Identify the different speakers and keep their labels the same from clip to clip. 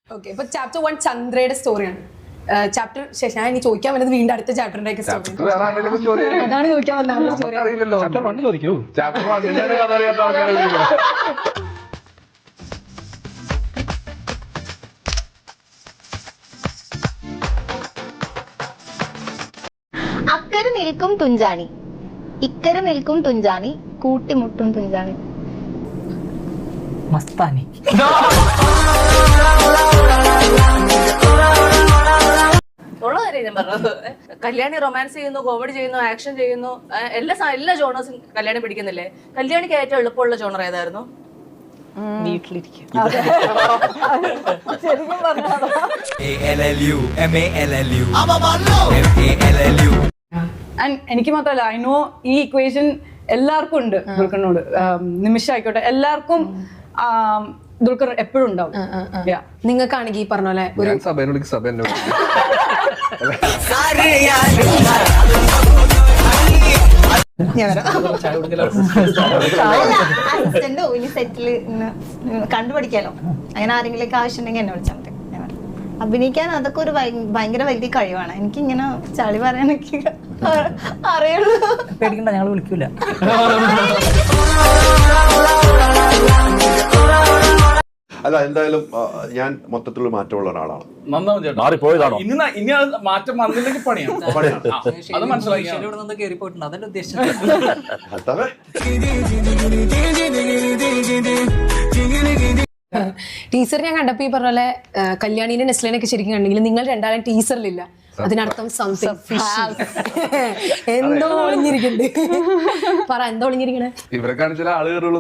Speaker 1: Okay, ഇപ്പൊ chapter 1 ചന്ദ്രയുടെ സ്റ്റോറിയാണ്. Chapter ശേഷം ഞാൻ ഇനി ചോദിക്കാൻ വന്നത് വീണ്ടും അടുത്ത ചാപ്റ്ററിന്റെ സ്റ്റോറി അതാണ് ചോദിക്കാൻ വന്നത്. സ്റ്റോറി
Speaker 2: അക്കരെ നിൽക്കും തുഞ്ചാണി, ഇക്കരെ നിൽക്കും തുഞ്ചാണി, കൂട്ടിമുട്ടും തുഞ്ചാണി.
Speaker 3: മസ്താനി.
Speaker 4: ഉള്ള കാര്യം ഞാൻ പറഞ്ഞത്. കല്യാണി റൊമാൻസ് ചെയ്യുന്നു, കോമഡി ചെയ്യുന്നു, ആക്ഷൻ ചെയ്യുന്നു, എല്ലാ ജോണേഴ്സും കല്യാണി പിടിക്കുന്നില്ലേ? കല്യാണിക്ക് ഏറ്റവും എളുപ്പമുള്ള ജോണർ ഏതായിരുന്നു?
Speaker 3: വീട്ടിലിരിക്കും.
Speaker 1: ശരിക്കും പറഞ്ഞാൽ എനിക്ക് മാത്രമല്ല, ഐ നോ ഈ ഇക്വേഷൻ എല്ലാവർക്കും ഉണ്ട്. ദുൽഖറിനോട് നിമിഷ ആയിക്കോട്ടെ, എല്ലാവർക്കും ദുൽഖർ എപ്പോഴും ഉണ്ടാവും.
Speaker 5: നിങ്ങൾക്കാണെങ്കിൽ ഈ പറഞ്ഞ പോലെ ഒരു
Speaker 2: സെറ്റില് കണ്ടുപിടിക്കാലോ, അങ്ങനെ ആരെങ്കിലും ആവശ്യം ഉണ്ടെങ്കിൽ എന്നെ വിളിച്ചാൽ മതി. അഭിനയിക്കാൻ അതൊക്കെ ഒരു ഭയങ്കര വലിയ കഴിവാണ്. എനിക്ക് ഇങ്ങനെ ചളി പറയാനൊക്കെ അറിയുള്ളൂ.
Speaker 3: പേടിക്കണ്ട, ഞങ്ങൾ വിളിക്കൂല.
Speaker 6: അല്ല, എന്തായാലും ഞാൻ മൊത്തത്തിലുള്ള മാറ്റമുള്ള ഒരാളാണ്.
Speaker 7: മാറിപ്പോയതാണോ? ഇനി മാറ്റം വന്നില്ലെങ്കിൽ പണിയാണ്. അത് മനസ്സിലാക്കി
Speaker 3: കേറിപ്പോയിട്ടുണ്ട്, അതല്ല ഉദ്ദേശിച്ചത്.
Speaker 5: ടീച്ചർ ഞാൻ കണ്ടപ്പോ ഈ പറഞ്ഞ പോലെ കല്യാണിനെ നെസ്ലിനൊക്കെ ശരിക്കും കണ്ടെങ്കിൽ നിങ്ങൾ രണ്ടാളും ടീച്ചറിലില്ല. അതിനർത്ഥം സംതിങ് എന്തോ ഒളിഞ്ഞിരിക്കുന്നുണ്ട്. പറ, എന്തോ ഒളിഞ്ഞിരിക്കണേ?
Speaker 6: ഇവരെ കാണിച്ചാൽ ആള് കയറുള്ളൂ.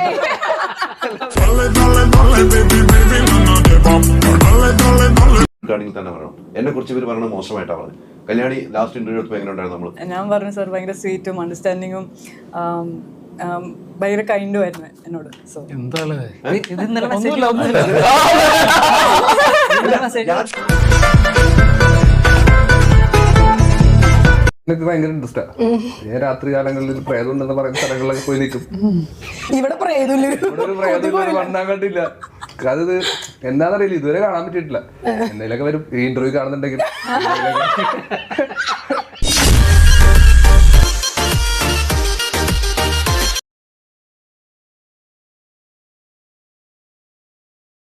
Speaker 6: തന്നെ പറയണം, എന്നെ കുറിച്ച് ഇവർ പറയണത് മോശമായിട്ടാണ് പറഞ്ഞത്. കല്യാണി ലാസ്റ്റ് ഇന്റർവ്യൂ എടുത്തപ്പോൾ എങ്ങനെ ഉണ്ടായിരുന്നു? നമ്മള്
Speaker 8: ഞാൻ പറഞ്ഞു സാർ ഭയങ്കര സ്വീറ്റും അണ്ടർസ്റ്റാൻഡിങ്ങും ഭയങ്കര കൈൻഡും ആയിരുന്നു എന്നോട്. സോ
Speaker 6: എനിക്ക് ഭയങ്കര ഇൻട്രസ്റ്റാ. ഞാൻ രാത്രി കാലങ്ങളിൽ പ്രേതം ഉണ്ടെന്ന് പറയുന്ന സ്ഥലങ്ങളിലൊക്കെ പോയി നിൽക്കും.
Speaker 5: ഇവിടെ പ്രേതമില്ല,
Speaker 6: ഒരു പ്രേതം വണ്ണാൻ കണ്ടില്ല. അത് എന്താണെന്നറിയില്ല, ഇതുവരെ കാണാൻ പറ്റിയിട്ടില്ല. എന്തെങ്കിലുമൊക്കെ വരും ഈ ഇന്റർവ്യൂ കാണുന്നുണ്ടെങ്കിൽ.